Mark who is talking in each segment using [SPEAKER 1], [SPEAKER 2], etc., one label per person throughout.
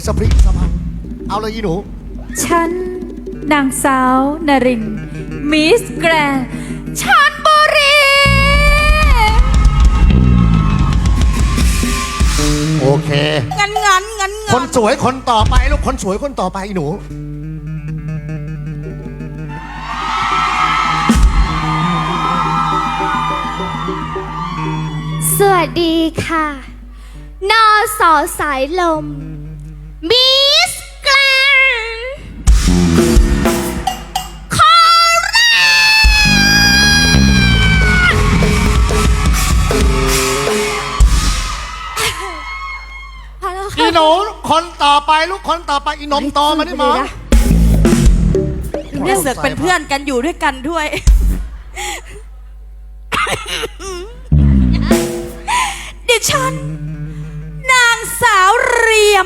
[SPEAKER 1] สปริงสะพังเอาเลยอีหนู
[SPEAKER 2] ฉันนางสาวนรินมิสแกรนด์ชลบุรี
[SPEAKER 1] โอเค
[SPEAKER 3] งั้น
[SPEAKER 1] คนสวยคนต่อไปลูกคนสวยคนต่อไปอีหนู
[SPEAKER 4] สวัสดีค่ะนอสอสายลมมิสแกรนด์โคราช
[SPEAKER 1] อีหนูคนต่อไปลูกคนต่อไปอีนมโตมาดิหมอ
[SPEAKER 3] เนี่ยเสือกเป็นเพื่อนกันอยู่ด้วยกันด้วยดิฉันนางสาวเรียม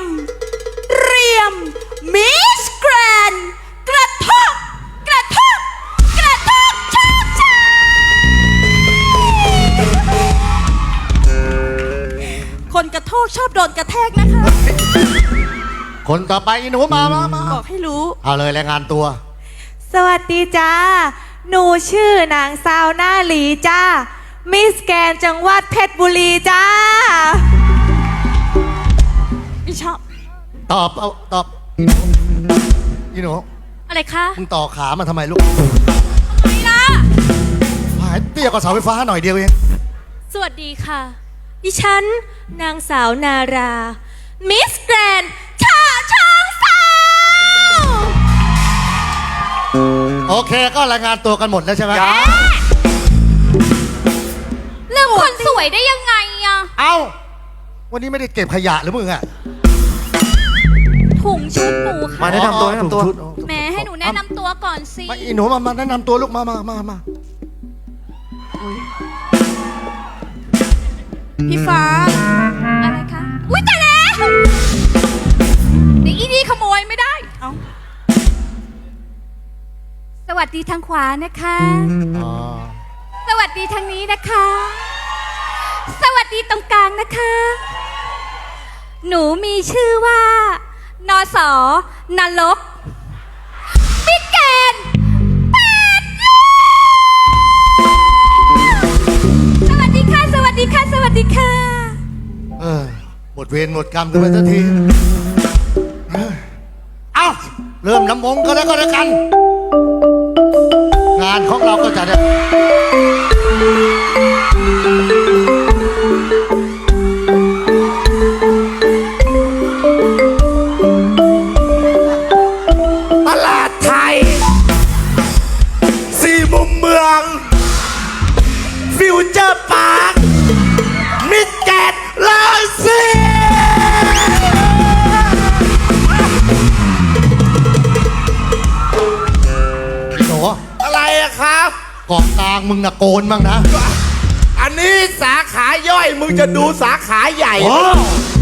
[SPEAKER 3] มิสแกรนด์กระทบชอบใจคนกระโทกชอบโดนกระแทกนะคะ
[SPEAKER 1] คนต่อไปอีหนูมา
[SPEAKER 3] บอกให้รู้
[SPEAKER 1] เอาเลยรายงานตัว
[SPEAKER 2] สวัสดีจ้าหนูชื่อนางสาวหน้าหลีจ้ามิสแกรนด์จังหวัดเพชรบุรีจ้า
[SPEAKER 3] ไม่ชอบ
[SPEAKER 1] ตอบอีหนู
[SPEAKER 3] อะไรคะ
[SPEAKER 1] มึงต่อขามาทำไมลูก
[SPEAKER 3] ทำไมล่ะ
[SPEAKER 1] หายเตี้ยกว่าเสาไฟฟ้าหน่อยเดียวเอง
[SPEAKER 3] สวัสดีค่ะดิฉันนางสาวนารามิสแกรนด์ฉะเชิงเทรา
[SPEAKER 1] โอเคก็รายงานตัวกันหมดแล้วใช่ไหม
[SPEAKER 3] เรื่องคนสวยได้ยังไงอะ
[SPEAKER 1] เอ้าวันนี้ไม่ได้เก็บขยะหรือมึงอะ
[SPEAKER 3] ถุงชุดหนูค่ะ
[SPEAKER 1] มาแนะนำตัว
[SPEAKER 3] แหมให้หนูแนะนำตัวก่อนสิ
[SPEAKER 1] มาอีหนูมาแนะนำตัวลูกมา
[SPEAKER 3] พี่ฟ้าอะไรคะอุ้ยแต่แล้วเดี๋ยวอีนี่ขโมยไม่ได้เอาสวัสดีทางขวานะคะสวัสดีทางนี้นะคะสวัสดีตรงกลางนะคะหนูมีชื่อว่านสนรกมิสแกรนด์สวัสดีค่ะห
[SPEAKER 1] มดเวรหมดกรรมกันไปสักทีเอ้าเริ่มน้ำมงก็แล้วกัน งานของเราก็จะได้
[SPEAKER 5] ตลาดไทยสี่มุมเมืองฟิวเจอร์พาร์คมิดแกนลาซี
[SPEAKER 1] โห
[SPEAKER 5] อะไรอะครับ
[SPEAKER 1] เกาะกลางมึงนะโกนบ้างนะ
[SPEAKER 5] อันนี้สาขาย่อยมึงจะดูสาขาใหญ่